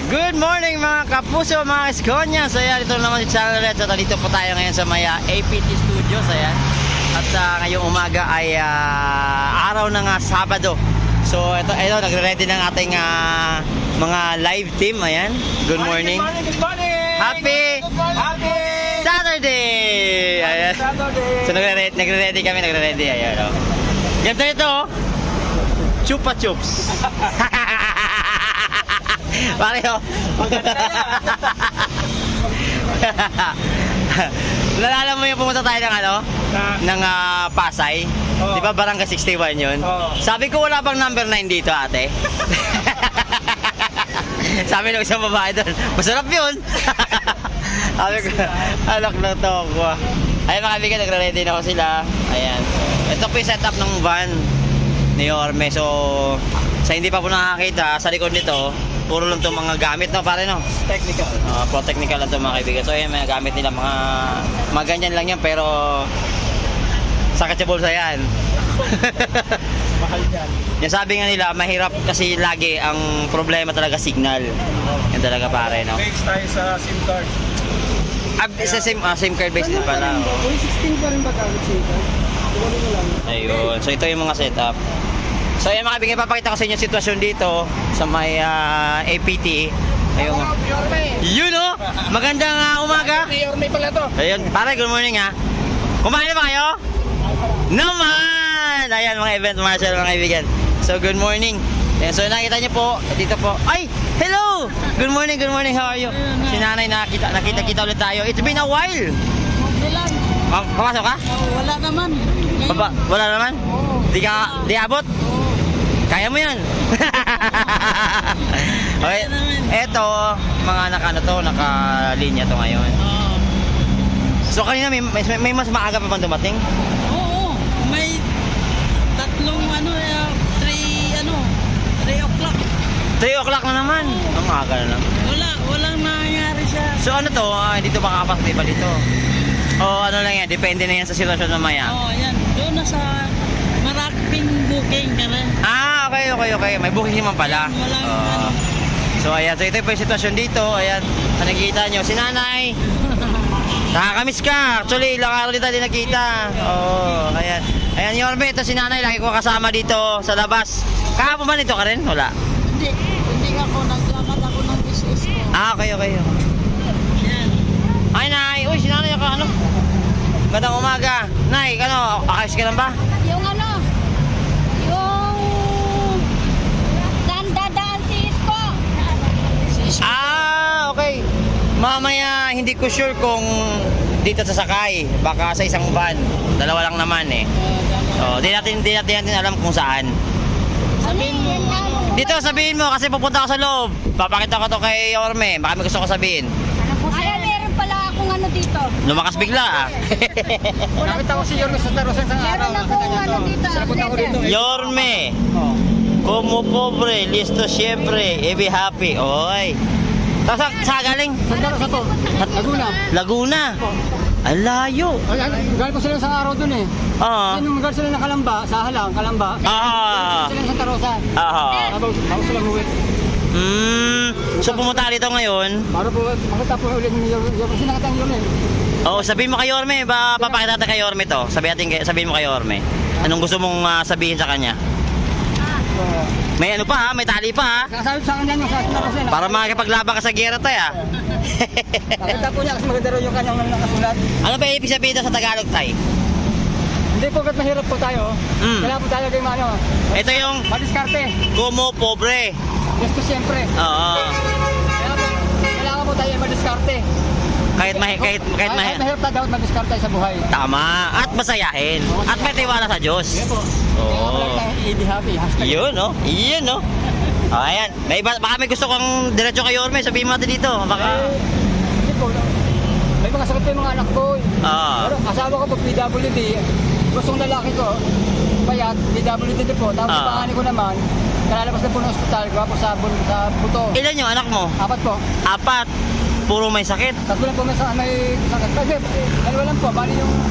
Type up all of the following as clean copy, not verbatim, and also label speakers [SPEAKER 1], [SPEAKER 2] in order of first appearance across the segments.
[SPEAKER 1] Good morning mga kapuso, mga Eskonya. So ayan, ito naman si Channel Red. So dito po tayo ngayon sa may APT Studios. Ayan. At ngayong umaga ay araw ng Sabado. So ito nagre-ready ng ating mga live team. Ayan. Good morning.
[SPEAKER 2] Good morning.
[SPEAKER 1] Happy Saturday. Ayan. So nagre-ready kami. Ayan. Oh. Ganda ito. Oh. Chupa Chups. Pareho. Nalala mo yung pumunta tayo ng ng Pasay?
[SPEAKER 2] Oh.
[SPEAKER 1] Di ba Barangay 61 yun?
[SPEAKER 2] Oh.
[SPEAKER 1] Sabi ko wala bang number 9 dito, ate? Sabi ng isang babae doon, masarap yun. Sabi ko, alak na to ako. Ayun mga kaibigan, nagre-ready na ako sila. Ayan. Ito po yung setup ng van ni Yorme. So, sa hindi pa po nakakita, sa likod nito, puro lang itong mga gamit, no? Pare, no?
[SPEAKER 2] Technical.
[SPEAKER 1] Pro technical lang itong mga kaibigan. So, ayan, mga gamit nila, mga ganyan lang yan, pero sakit sa bulsa yan.
[SPEAKER 2] Mahal yan.
[SPEAKER 1] Yung sabi nga nila, mahirap kasi lagi ang problema talaga signal. Yan talaga, pare, no?
[SPEAKER 2] Base tayo sa SIM card.
[SPEAKER 1] Sa SIM card base din pala.
[SPEAKER 2] Uy, 16 pa rin ba gamit SIM card? Tuloy mo lang.
[SPEAKER 1] Ayun. So, ito yung mga setup. So, ayan mga kaibigan, papakita ko sa inyo yung sitwasyon dito sa may APT. Ayun. Yun, oh! Magandang umaga.
[SPEAKER 2] Yorme pala to.
[SPEAKER 1] Ayun. Pare, good morning, ha. Kumain na ba kayo? Naman! Ayan, mga event marshal, mga kaibigan. So, good morning. Ayan, so, nakita niyo po, dito po. Ay! Hello! Good morning, how are you? Si nanay, nakita ulit tayo. It's been a while.
[SPEAKER 3] Ilan?
[SPEAKER 1] Papasok ka?
[SPEAKER 3] Wala naman. Ngayon.
[SPEAKER 1] Wala naman?
[SPEAKER 3] Oo.
[SPEAKER 1] Di abot? Kaya mo yan. Okay. Eto, mga nakalinya to ngayon. So kanina may mas maaga pa bang dumating?
[SPEAKER 3] Oo. May tatlong 3 o'clock.
[SPEAKER 1] 3 o'clock na naman. Ang maaga na lang.
[SPEAKER 3] Walang nangyari siya.
[SPEAKER 1] So ano to? Dito ba kapasok ba dito? O ano lang yan, depende na yan sa sitwasyon mamaya.
[SPEAKER 3] Oo, yan. Doon na sa maraming booking ka na.
[SPEAKER 1] Okay. May booking naman pala.
[SPEAKER 3] Walang
[SPEAKER 1] So ayan, so ito po yung sitwasyon dito. Ayan, nakikita nyo, si nanay. Nakakamiss ka. Actually, ilang araw din tayo nakita. Oo, ayan. Ayan, Yorme, ito si nanay. Lagi ko kasama dito sa labas. Kahapon ba nito ka rin? Wala.
[SPEAKER 3] Hindi ako. Naglamat ako ng business ko.
[SPEAKER 1] Okay.
[SPEAKER 3] Yan.
[SPEAKER 1] Ay, nay. Uy, si nanay ako, Magandang umaga. Nay, akayos ka lang ba?
[SPEAKER 4] Yung dandadaan si Isko.
[SPEAKER 1] Okay. Mamaya, hindi ko sure kung dito sasakay. Baka sa isang van. Dalawa lang naman eh. Di natin alam kung saan.
[SPEAKER 3] Sabihin mo,
[SPEAKER 1] Dito, sabihin mo kasi pupunta ako sa loob. Papakita ko to kay Yorme. Baka may gusto ko sabihin.
[SPEAKER 4] Ay, meron pala akong dito.
[SPEAKER 1] Lumakas bigla
[SPEAKER 2] Nakita ko si Yorme sa Tarosan sa araw.
[SPEAKER 4] Meron akong dito.
[SPEAKER 2] Sinapunta ko dito.
[SPEAKER 1] Yorme, como pobre, listo siempre, be happy. Oy. Tapos sa galing?
[SPEAKER 2] Saan Tarosan to?
[SPEAKER 1] Laguna. Ang layo.
[SPEAKER 2] Galing ko sila sa araw dun eh. Nung galing sila ng Kalamba, sa Halang, Kalamba. Sila sa Tarosan. Ako sila huwi.
[SPEAKER 1] So pumunta ka dito ngayon.
[SPEAKER 2] Para po, makita po ulit ni Yorme. Kasi nakita ang Yorme.
[SPEAKER 1] Sabihin mo kay Yorme, papakita natin kay Yorme to. Sabihin mo kay Yorme. Anong gusto mong sabihin sa kanya? May may tali pa ha.
[SPEAKER 2] Sabi sa kanya sa Tarosan.
[SPEAKER 1] Para makakipaglaban ka sa gera tayo ha.
[SPEAKER 2] Nakita po niya kasi maganda raw yung kanyang nakasulat.
[SPEAKER 1] Ano ba ibig sabihin ito sa Tagalog tay?
[SPEAKER 2] Hindi po kahit mahirap po tayo. Kaya po tayo kay
[SPEAKER 1] Ito yung
[SPEAKER 2] madiskarte.
[SPEAKER 1] como pobre.
[SPEAKER 2] Gusto siyempre.
[SPEAKER 1] Oo.
[SPEAKER 2] Kaya po, kailangan po tayo madiskarte.
[SPEAKER 1] Kahit
[SPEAKER 2] mahirap tayo dapat madiskarte sa buhay.
[SPEAKER 1] tama. At masayahin. At may tiwala sa Diyos.
[SPEAKER 2] Sige po.
[SPEAKER 1] Oo.
[SPEAKER 2] Be happy.
[SPEAKER 1] Yun no. Ayan. Baka may gusto kang diretso kay Yorme. Sabihin mo natin dito. Baka.
[SPEAKER 2] Hindi po. May mga sakit po yung mga anak ko. Pero asawa ko po PWD. Gustong lalaki ko. Payat. PWD din po. Tapos panganin ko naman. Kalalabas na po ng ospital. Gawa po sa buto.
[SPEAKER 1] Ilan yung anak mo?
[SPEAKER 2] 4 po.
[SPEAKER 1] 4. Puro may sakit.
[SPEAKER 2] 3 lang po may sakit. Dalawa lang po. Bali yung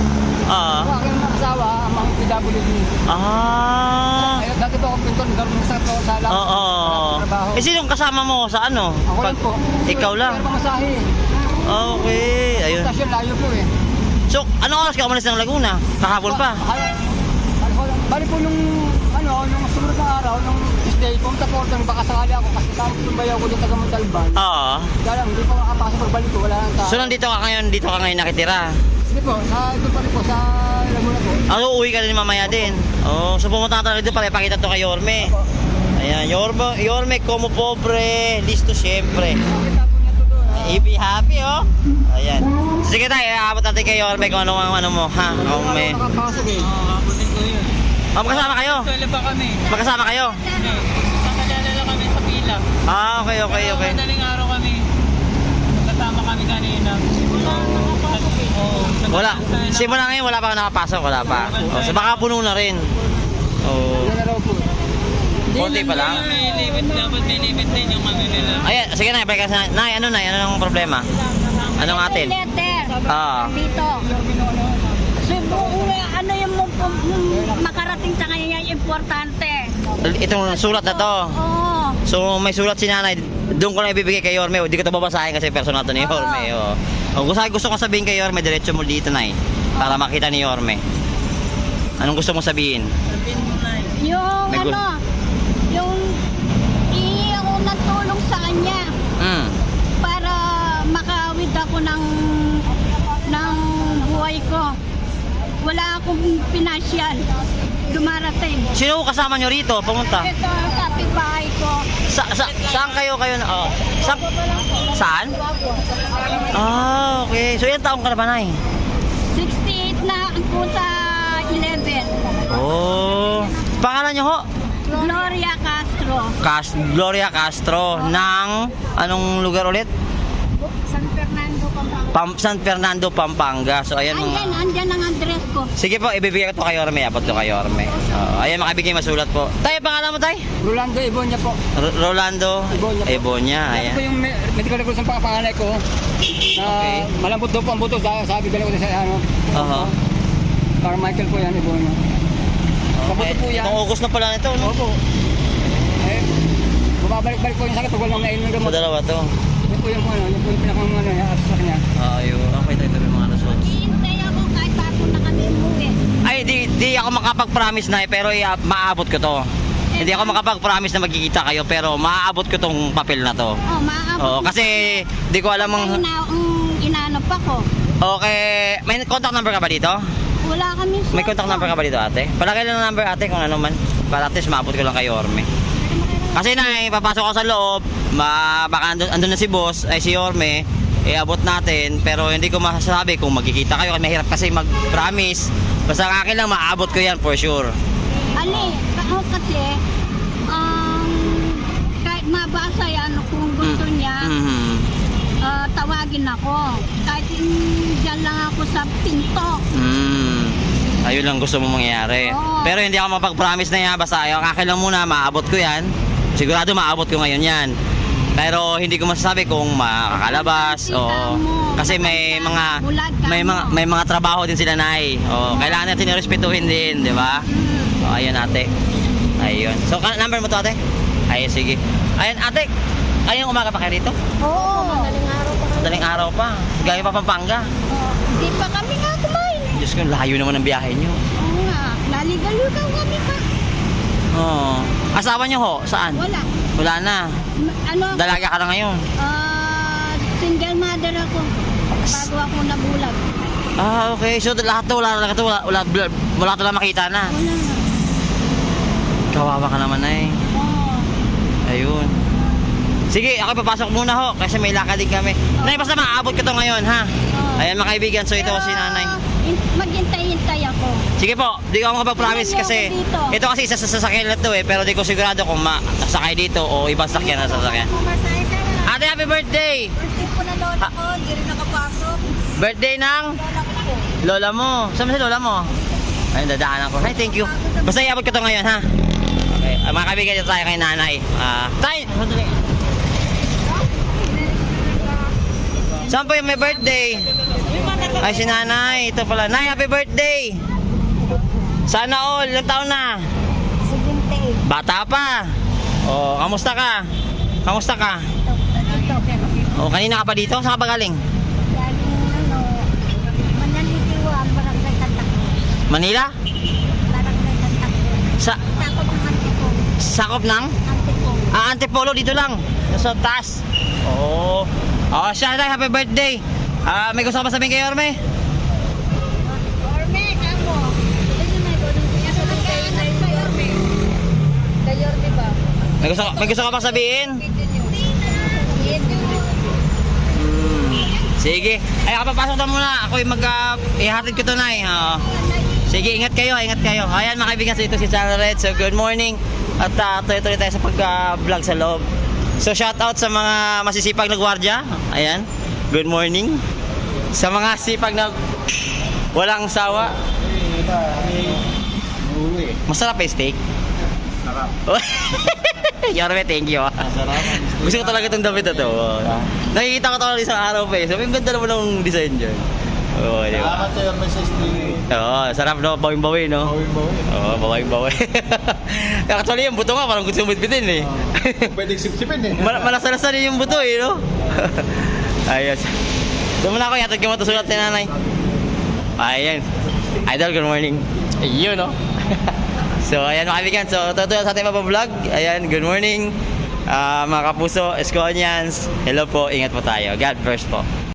[SPEAKER 1] Oo.
[SPEAKER 2] Ang aking asawa, ang mga PWD. Ayun, dati po akong pintor, nagkaroon sa to sa lang.
[SPEAKER 1] Oo.
[SPEAKER 2] Trabaho.
[SPEAKER 1] Eh, sinong kasama mo sa ano?
[SPEAKER 2] Ako lang po.
[SPEAKER 1] Ikaw lang?
[SPEAKER 2] Pero pamasahe.
[SPEAKER 1] Okay, ayun.
[SPEAKER 2] Stasyon layo po eh.
[SPEAKER 1] So, anong oras ka umalis ng Laguna? Kahapon pa?
[SPEAKER 2] Bali po nung sumunod na araw, nung Tuesday, pumunta po ako, baka sakali ako kasi tapos tumbayaw ko dito taga Montalban.
[SPEAKER 1] Oo.
[SPEAKER 2] Kaya lang, hindi po makapasok pagbalik ko, wala nang tao.
[SPEAKER 1] So, nandito ka ngayon nakitira?
[SPEAKER 2] Sige po, ito pa rin po, sa Laguna po.
[SPEAKER 1] Ano, uuwi ka din mamaya din? Oh, so pumunta ka talaga dito para ipakita to kay Yorme.
[SPEAKER 2] Opo.
[SPEAKER 1] Ayan, Yorme, como pobre, listo siyempre.
[SPEAKER 2] Nakita po niya to doon.
[SPEAKER 1] Happy, oh. Ayan. Sige tayo, aabot natin kay Yorme kung ano ang ano mo, ha? Kung may...
[SPEAKER 2] Nakapasok eh.
[SPEAKER 3] Abutin ko yun.
[SPEAKER 1] Oh, magkasama kayo?
[SPEAKER 3] Tuwala pa kami.
[SPEAKER 1] Magkasama kayo?
[SPEAKER 3] Hindi. Nakakalala lang kami sa pila.
[SPEAKER 1] Ah, okay.
[SPEAKER 3] Pero madaling araw kami. Kasama kami kanina. Oo.
[SPEAKER 1] Wala. Simula ngayon, wala pa nakapasok, wala pa. Oh, so baka puno na rin. Oh.
[SPEAKER 2] Yan na raw po.
[SPEAKER 1] Konti pa lang.
[SPEAKER 3] May limit, dapat may limit din yung ano nila.
[SPEAKER 1] Ayan, sige na, balik ka sa... Nay, ano ang problema? Anong atin?
[SPEAKER 4] Letter.
[SPEAKER 1] Ah.
[SPEAKER 4] Dito. Subo, ano yung makarating sa kanya yung importante.
[SPEAKER 1] Itong sulat na to.
[SPEAKER 4] Oo.
[SPEAKER 1] So may sulat si nanay, doon ko lang ibibigay kay Yorme. Hindi ko ito babasahin kasi personal to ni Yorme. Oh. Oh, gusto ko sabihin kay Yorme, diretso mo dito, Nay. Para makita ni Yorme. Anong gusto mo sabihin?
[SPEAKER 3] Sabihin mo na eh.
[SPEAKER 4] Yung
[SPEAKER 1] May
[SPEAKER 4] yung ihingi ako ng tulong sa kanya para makawid ako ng buhay ko. Wala akong pinasyal. Dumarating.
[SPEAKER 1] Sino kasama nyo rito? Pumunta.
[SPEAKER 4] Ito ang kapitbahay ko.
[SPEAKER 1] Saan kayo na? Oh. Saan? Ah, okay. So ilang taong ka na ba, Nay?
[SPEAKER 4] 68 na po sa 11.
[SPEAKER 1] Oh. Pangalan nyo ho?
[SPEAKER 4] Gloria Castro.
[SPEAKER 1] Gloria Castro ng anong lugar ulit?
[SPEAKER 4] San Fernando, Pampanga.
[SPEAKER 1] San Fernando, Pampanga. So ayan mga...
[SPEAKER 4] Andyan ang address ko.
[SPEAKER 1] Sige po, ibibigay ko to kay Yorme. Abot to kay Yorme. Ayan, makabigay masulat po. Tayo, pangalan mo, Tay?
[SPEAKER 2] Rolando Ibonya po.
[SPEAKER 1] Rolando
[SPEAKER 2] Ibonya po.
[SPEAKER 1] Ibonya.
[SPEAKER 2] Yan
[SPEAKER 1] Ayan.
[SPEAKER 2] po yung medical records ng pangapanganay ko. Na
[SPEAKER 1] Okay.
[SPEAKER 2] malambot daw po ang buto. Sabi ko na sa ano.
[SPEAKER 1] Aha.
[SPEAKER 2] Carmichael po yan, Ibonya. Sa buto po yan.
[SPEAKER 1] Itong August na pala nito, no?
[SPEAKER 2] Opo. Eh, bumabalik-balik po yung sakit pag walang nainom ng
[SPEAKER 1] Sa
[SPEAKER 2] gamot.
[SPEAKER 1] dalawa to.
[SPEAKER 2] Yan po yung pinakang sa kanya.
[SPEAKER 1] Ayun. Okay, tayo tayo mga results.
[SPEAKER 4] Hihintay ako kahit bago na kami umuwi.
[SPEAKER 1] Ay, di ako makapag-promise na pero maabot ko to. Hindi ako makapag-promise na magkikita kayo pero maaabot ko tong papel na to.
[SPEAKER 4] Oh, maabot.
[SPEAKER 1] Oo, kasi di ko alam ang...
[SPEAKER 4] Inanap ako.
[SPEAKER 1] Okay, may contact number ka ba dito?
[SPEAKER 4] Wala kami.
[SPEAKER 1] May contact number ka ba dito, ate? Palagay lang ng number, ate, kung ano man. Para at least maabot ko lang kay Yorme. Kasi papasok ako sa loob, baka andun na si boss, ay si Yorme, abot natin, pero hindi ko masasabi kung magkikita kayo, mahirap kasi mag-promise. Basta ang akin lang, maabot ko yan for sure.
[SPEAKER 4] Ali, ako kasi, kahit mabasa yan, kung gusto niya, tawagin ako. Kahit dyan lang ako sa pinto.
[SPEAKER 1] Ayun lang gusto mo mangyari.
[SPEAKER 4] Oo.
[SPEAKER 1] Pero hindi ako mapag-promise na yan, basta ang akin lang muna, maabot ko yan. Sigurado maabot ko ngayon yan. Pero hindi ko masasabi kung makakalabas o kasi may mga trabaho din sila, Nay. O kailangan natin irespetuhin din, di ba? O ayun, ate. Ayun. So number mo to, ate? Ayun, sige. Ayun, ate. Ayun, umaga pa kayo rito?
[SPEAKER 4] Oo.
[SPEAKER 1] Madaling araw pa. Galing pa Pampanga.
[SPEAKER 4] Hindi pa kami nga kumain.
[SPEAKER 1] Diyos ko, layo naman ang biyahe nyo.
[SPEAKER 4] Oo nga. Laligalugaw kami pa.
[SPEAKER 1] Oo. Asawa nyo ho? Saan?
[SPEAKER 4] Wala.
[SPEAKER 1] Wala na.
[SPEAKER 4] Ano?
[SPEAKER 1] Dalaga ka na ngayon.
[SPEAKER 4] Single mother ako. Bago ako nabulag.
[SPEAKER 1] Ah, okay. So lahat to, wala to lang makita na.
[SPEAKER 4] Wala na.
[SPEAKER 1] Kawawa ka naman, eh.
[SPEAKER 4] Oo.
[SPEAKER 1] Ayun. Sige, ako papasok muna ho kasi may lakad din kami. Nay, basta maabot ko to ngayon, ha? Ayan, mga kaibigan. So ito si nanay.
[SPEAKER 4] Maghintay-hintay ako.
[SPEAKER 1] Sige po, di ko makapag-promise kasi ito kasi isa sa sasakyan na to eh, pero di ko sigurado kung masakay dito o ibang sakyan na sasakyan. Ate, happy birthday!
[SPEAKER 4] Birthday po na lola ko, hindi rin nakapasok.
[SPEAKER 1] Birthday ng lola mo. Saan ba si lola mo? Ayun, dadaanan ko. Hi, thank you. Basta iabot ko to ngayon, ha? Okay, mga kaibigan, dito tayo kay nanay. Tay! Saan po yung may birthday?
[SPEAKER 3] Yung mga
[SPEAKER 1] Ay, si nanay. Ito pala. Nay, happy birthday! Sana all. Ilang taon na?
[SPEAKER 4] 78.
[SPEAKER 1] Bata pa. Oh, kamusta ka? Kamusta ka? Oh, kanina ka pa dito? Saan ka pa galing?
[SPEAKER 4] Galing Manalitiwa, Barangay Tantakbo.
[SPEAKER 1] Manila?
[SPEAKER 4] Barangay Tantakbo.
[SPEAKER 1] Sa
[SPEAKER 4] Takot ng Antipolo.
[SPEAKER 1] sakop ng?
[SPEAKER 4] Antipolo.
[SPEAKER 1] Antipolo dito lang. Sa taas. Oo. Oh, siya na, happy birthday. May gusto ka pa sabihin kay Orme?
[SPEAKER 4] Orme, kamo. Kay Orme ba?
[SPEAKER 1] May gusto ka pa sabihin? Sige. Ay, kapapasok na muna. Ako'y ihatid ko to na eh. Sige, ingat kayo, ingat kayo. Ayan mga kaibigan, so ito si Channel Red. So good morning. At tuloy-tuloy tayo sa pag-vlog sa loob. So shout out sa mga masisipag na gwardiya. Ayan. Good morning. Sa mga sipag na walang sawa. Masarap eh steak.
[SPEAKER 2] Sarap.
[SPEAKER 1] Yorme, thank you. Gusto ko talaga itong damit na to. Nakikita ko talaga isang araw pa eh. Sabi, ang ganda naman ng design dyan. Oo, di ba?
[SPEAKER 2] Salamat sa'yo, Mrs. Lee.
[SPEAKER 1] Oo, sarap no, bawing-bawi no?
[SPEAKER 2] Bawin-bawin.
[SPEAKER 1] Oo, bawing-bawi. Actually, yung buto nga parang gusto mong bitbitin eh.
[SPEAKER 2] Pwede sipsipin eh.
[SPEAKER 1] Malasan-lasan yung buto eh, no? Ayos. Doon muna ako, yatag yung matusulat ni nanay. Ayan. Idol, good morning. Ayun, no? So, ayan mga kaibigan. So, tutuloy sa ating vlog. Ayan, good morning. Mga kapuso, Esconians. Hello po, ingat po tayo. God first po.